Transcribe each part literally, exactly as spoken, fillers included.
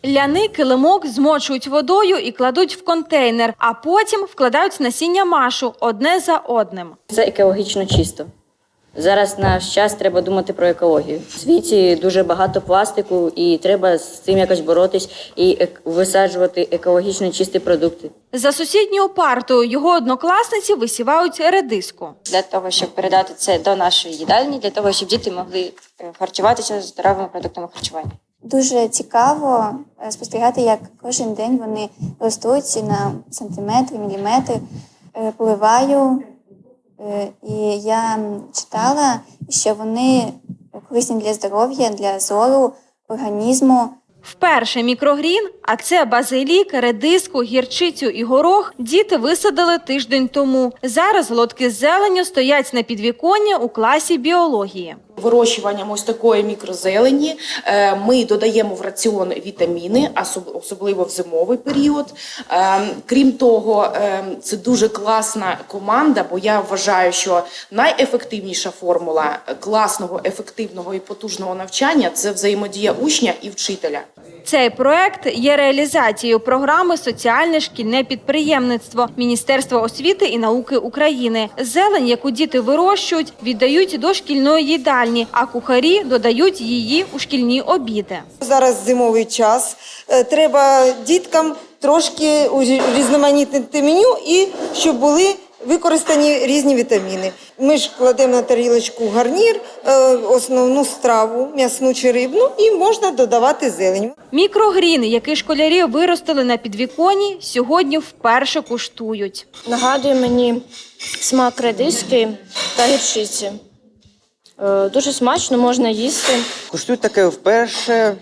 Ляний килимок змочують водою і кладуть в контейнер, а потім вкладають насіння машу одне за одним. Це екологічно чисто. Зараз наш час треба думати про екологію. У світі дуже багато пластику і треба з цим якось боротись і висаджувати екологічно чисті продукти. За сусідньою партою його однокласниці висівають редиску. Для того, щоб передати це до нашої їдальні, для того, щоб діти могли харчуватися здоровими продуктами харчування. Дуже цікаво спостерігати, як кожен день вони ростуть на сантиметри, міліметри. Поливаю, і я читала, що вони корисні для здоров'я, для зору, організму. Вперше мікрогрін, а це базилік, редиску, гірчицю і горох, діти висадили тиждень тому. Зараз лотки з зеленню стоять на підвіконні у класі біології. Вирощуванням ось такої мікрозелені ми додаємо в раціон вітаміни, особливо в зимовий період. Крім того, це дуже класна команда, бо я вважаю, що найефективніша формула класного, ефективного і потужного навчання – це взаємодія учня і вчителя. Цей проект є реалізацією програми «Соціальне шкільне підприємництво» Міністерства освіти і науки України. Зелень, яку діти вирощують, віддають до шкільної їдальні, а кухарі додають її у шкільні обіди. Зараз зимовий час, треба діткам трошки урізноманітнити меню і щоб були використані різні вітаміни. Ми ж кладемо на тарілочку гарнір, основну страву, м'ясну чи рибну, і можна додавати зелень. Мікрогрін, який школярі виростили на підвіконні, сьогодні вперше куштують. Нагадує мені смак редиски та гірчиці. Дуже смачно, можна їсти. Куштую таке вперше,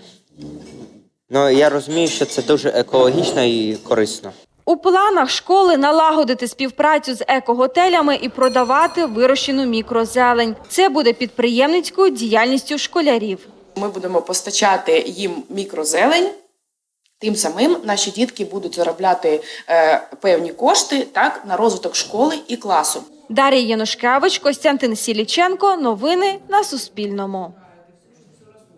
але я розумію, що це дуже екологічно і корисно. У планах школи налагодити співпрацю з екоготелями і продавати вирощену мікрозелень. Це буде підприємницькою діяльністю школярів. Ми будемо постачати їм мікрозелень, тим самим наші дітки будуть заробляти е, певні кошти так, на розвиток школи і класу. Дар'я Янушкевич, Костянтин Сіліченко. Новини на Суспільному.